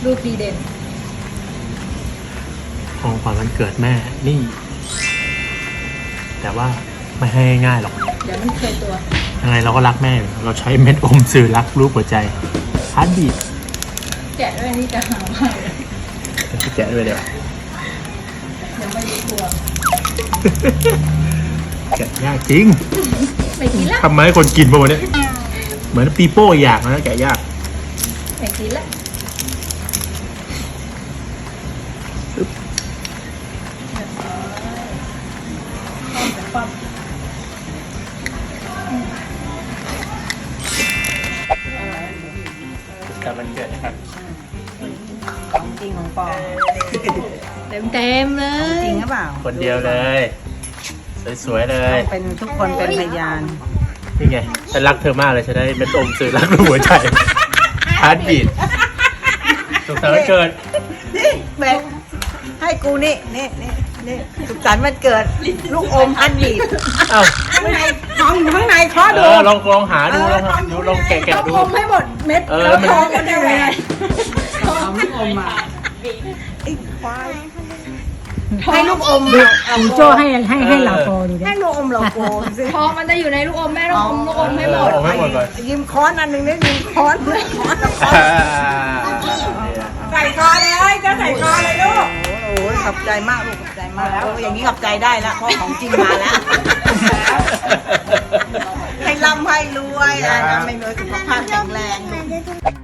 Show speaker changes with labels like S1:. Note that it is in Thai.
S1: ลูกดีเด่น
S2: ของขวัญวันเกิดแม่นี่ แต่ว่าไม่ให้ง่ายหรอก
S1: เดี๋ยวมันเคยตัว
S2: ยังไงเราก็รักแม่อยู่เราใช้เม็ดอมสื่อรักรูปหัวใจฮาร์ดบีท
S1: แกะด้วยนี่จะหามากเลย
S2: แกะด้วยเดี๋ยว
S1: ยังไม่รู้ตัว
S2: แกะยากจริง
S1: ไม่กินละ
S2: ทำมาให้คนกินป่ะวันนี้เหมือนปีโป้อยากนะแกะยาก
S1: ไม่กินละปั๊บ
S2: แต่มันเกิดนะครับ
S3: ของจริงของปลอม
S1: เต็มเล
S3: จ
S1: ย
S3: ริงหรือเปล่า
S2: คนเดียวเลย สวยๆเลย
S3: เป็นทุกคนเป็นพยาน
S2: นี่ไงฉันรักเธอมากเลยฉันได้เม็ดอมสื่อรักรูปหัวใจฮาร์ดบีทสุขสันต์วันเกิด
S3: นี่เบกให้กูนี่สุขสันต์วันเกิด ลูกอมอันดีด
S2: เอ้า
S3: ข้างในข้อดู
S2: ลองหาดูลองแกะดู
S3: อมให้หมดเม็ด
S2: เออ
S3: แล้ว
S2: มัน
S3: ทองมันได้ไงทำลูกอมมาไอ้ควายให้ลูกอม
S4: คุณโจ้ให้เหล่าโกดูดิ
S3: ให้ลูกอมเหล่าโกสิ
S1: ทองมันจะอยู่ในลูกอมแม่ต้องอมลูกอมให้หมด
S2: เอาให้หมดเลย
S3: ยิ้มค้อนอันหนึ่งได้ยิ้มค้อนใส่คอเลยจะใส่คอเลยลูกโอ้ยขอบใจมากลูกขอบใจมากอย่างนี้ขอบใจได้แล้วเพราะของจริงมาแล้วให้ร่ำให้รวยนะไม่รวยสุขภาพแข็งแรง